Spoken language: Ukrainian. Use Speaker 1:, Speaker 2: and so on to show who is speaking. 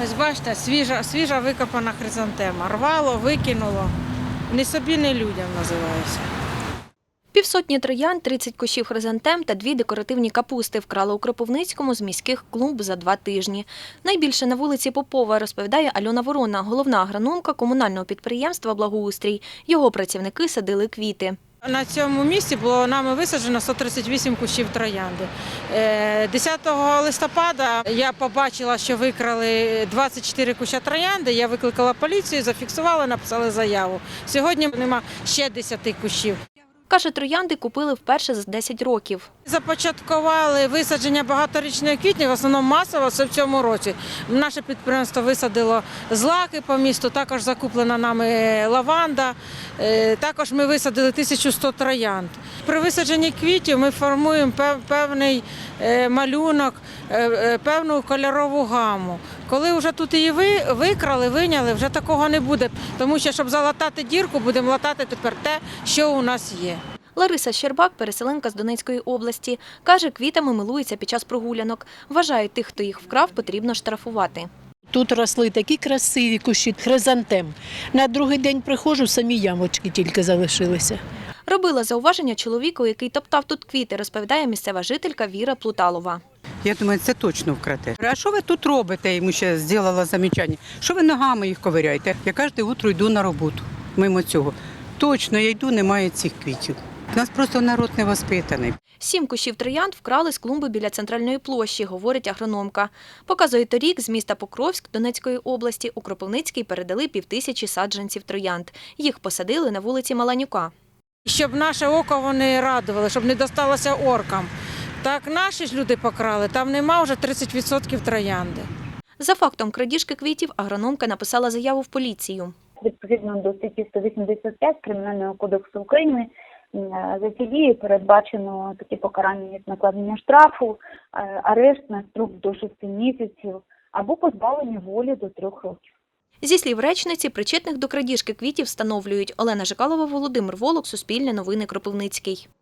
Speaker 1: Ось бачите, свіжа викопана хризантема. Рвало, викинуло. Ні собі, ні людям називається.
Speaker 2: Півсотні троянд, 30 кущів хризантем та 2 декоративні капусти вкрали у Кропивницькому з міських клумб за 2 тижні. Найбільше на вулиці Попова, розповідає Альона Ворона, головна агрономка комунального підприємства «Благоустрій». Його працівники садили квіти.
Speaker 1: На цьому місці було нами висаджено 138 кущів троянди. 10 листопада я побачила, що викрали 24 куща троянди. Я викликала поліцію, зафіксувала, написали заяву. Сьогодні нема ще 10 кущів.
Speaker 2: Каже, троянди купили вперше за 10 років.
Speaker 1: Започаткували висадження багаторічної квітні, в основному масово, це в цьому році. Наше підприємство висадило злаки по місту, також закуплена нами лаванда, також ми висадили 1100 троянд. При висадженні квітів ми формуємо певний малюнок, певну кольорову гаму. Коли вже тут її викрали, виняли, вже такого не буде, тому що, щоб залатати дірку, будемо латати тепер те, що у нас є.
Speaker 2: Лариса Щербак, переселенка з Донецької області, каже, квітами милується під час прогулянок. Вважає, тих, хто їх вкрав, потрібно штрафувати.
Speaker 3: Тут росли такі красиві кущі хризантем. На другий день приходжу, самі ямочки тільки залишилися.
Speaker 2: Робила зауваження чоловіку, який топтав тут квіти, розповідає місцева жителька Віра Плуталова.
Speaker 4: Я думаю, це точно вкрате. А що ви тут робите? Йому ще зробила замічання. Що ви ногами їх ковиряєте? Я кожне утро йду на роботу, мимо цього. Точно, я йду, немає цих квітів. У нас просто народ не воспитаний.
Speaker 2: 7 кущів троянд вкрали з клумби біля центральної площі, говорить агрономка. Показує, торік з міста Покровськ Донецької області у Кропивницький передали 5000 саджанців троянд. Їх посадили на вулиці Маланюка.
Speaker 1: Щоб наше око вони радували, щоб не досталося оркам. Так наші ж люди покрали, там нема вже 30% троянди.
Speaker 2: За фактом крадіжки квітів агрономка написала заяву в поліцію.
Speaker 5: Відповідно до статті 185 Кримінального кодексу України за ці дії передбачено такі покарання, як накладення штрафу, арешт на строк до 6 місяців або позбавлення волі до 3 років.
Speaker 2: Зі слів речниці, причетних до крадіжки квітів встановлюють. Олена Жикалова, Володимир Волок, Суспільне новини, Кропивницький.